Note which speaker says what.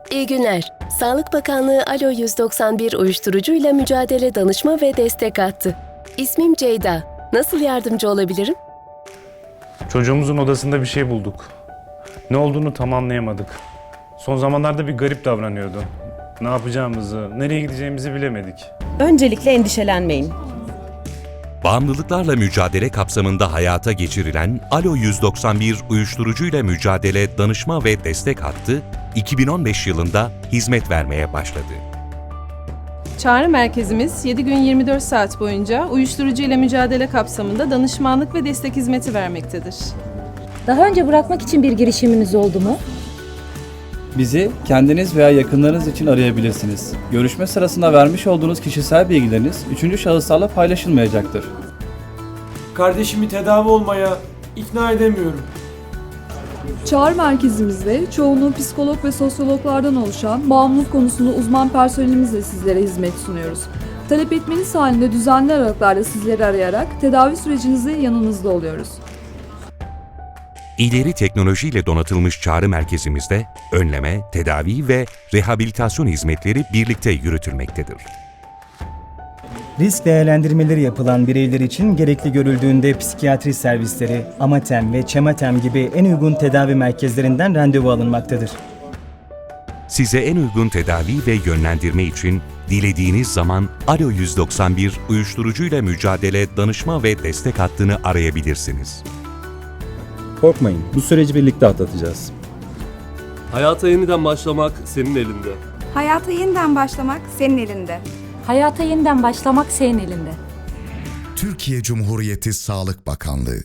Speaker 1: İyi günler. Sağlık Bakanlığı Alo 191 uyuşturucuyla mücadele danışma ve destek hattı. İsmim Ceyda. Nasıl yardımcı olabilirim?
Speaker 2: Çocuğumuzun odasında bir şey bulduk. Ne olduğunu tam anlayamadık. Son zamanlarda bir garip davranıyordu. Ne yapacağımızı, nereye gideceğimizi bilemedik.
Speaker 3: Öncelikle endişelenmeyin.
Speaker 4: Bağımlılıklarla mücadele kapsamında hayata geçirilen Alo 191 uyuşturucuyla mücadele danışma ve destek hattı 2015 yılında hizmet vermeye başladı.
Speaker 5: Çağrı merkezimiz 7 gün 24 saat boyunca uyuşturucu ile mücadele kapsamında danışmanlık ve destek hizmeti vermektedir.
Speaker 6: Daha önce bırakmak için bir girişiminiz oldu mu?
Speaker 7: Bizi kendiniz veya yakınlarınız için arayabilirsiniz. Görüşme sırasında vermiş olduğunuz kişisel bilgileriniz üçüncü şahıslarla paylaşılmayacaktır.
Speaker 8: Kardeşimi tedavi olmaya ikna edemiyorum.
Speaker 9: Çağrı merkezimizde çoğunluğu psikolog ve sosyologlardan oluşan bağımlılık konusunda uzman personelimizle sizlere hizmet sunuyoruz. Talep etmeniz halinde düzenli aralıklarla sizleri arayarak tedavi sürecinizde yanınızda oluyoruz.
Speaker 4: İleri teknolojiyle donatılmış çağrı merkezimizde önleme, tedavi ve rehabilitasyon hizmetleri birlikte yürütülmektedir.
Speaker 10: Risk değerlendirmeleri yapılan bireyler için gerekli görüldüğünde psikiyatri servisleri, Amatem ve Çematem gibi en uygun tedavi merkezlerinden randevu alınmaktadır.
Speaker 4: Size en uygun tedavi ve yönlendirme için dilediğiniz zaman Alo 191 uyuşturucuyla mücadele danışma ve destek hattını arayabilirsiniz.
Speaker 11: Korkmayın, bu süreci birlikte atlatacağız.
Speaker 8: Hayata yeniden başlamak senin elinde.
Speaker 12: Hayata yeniden başlamak senin elinde.
Speaker 6: Hayata yeniden başlamak senin elinde.
Speaker 13: Türkiye Cumhuriyeti Sağlık Bakanlığı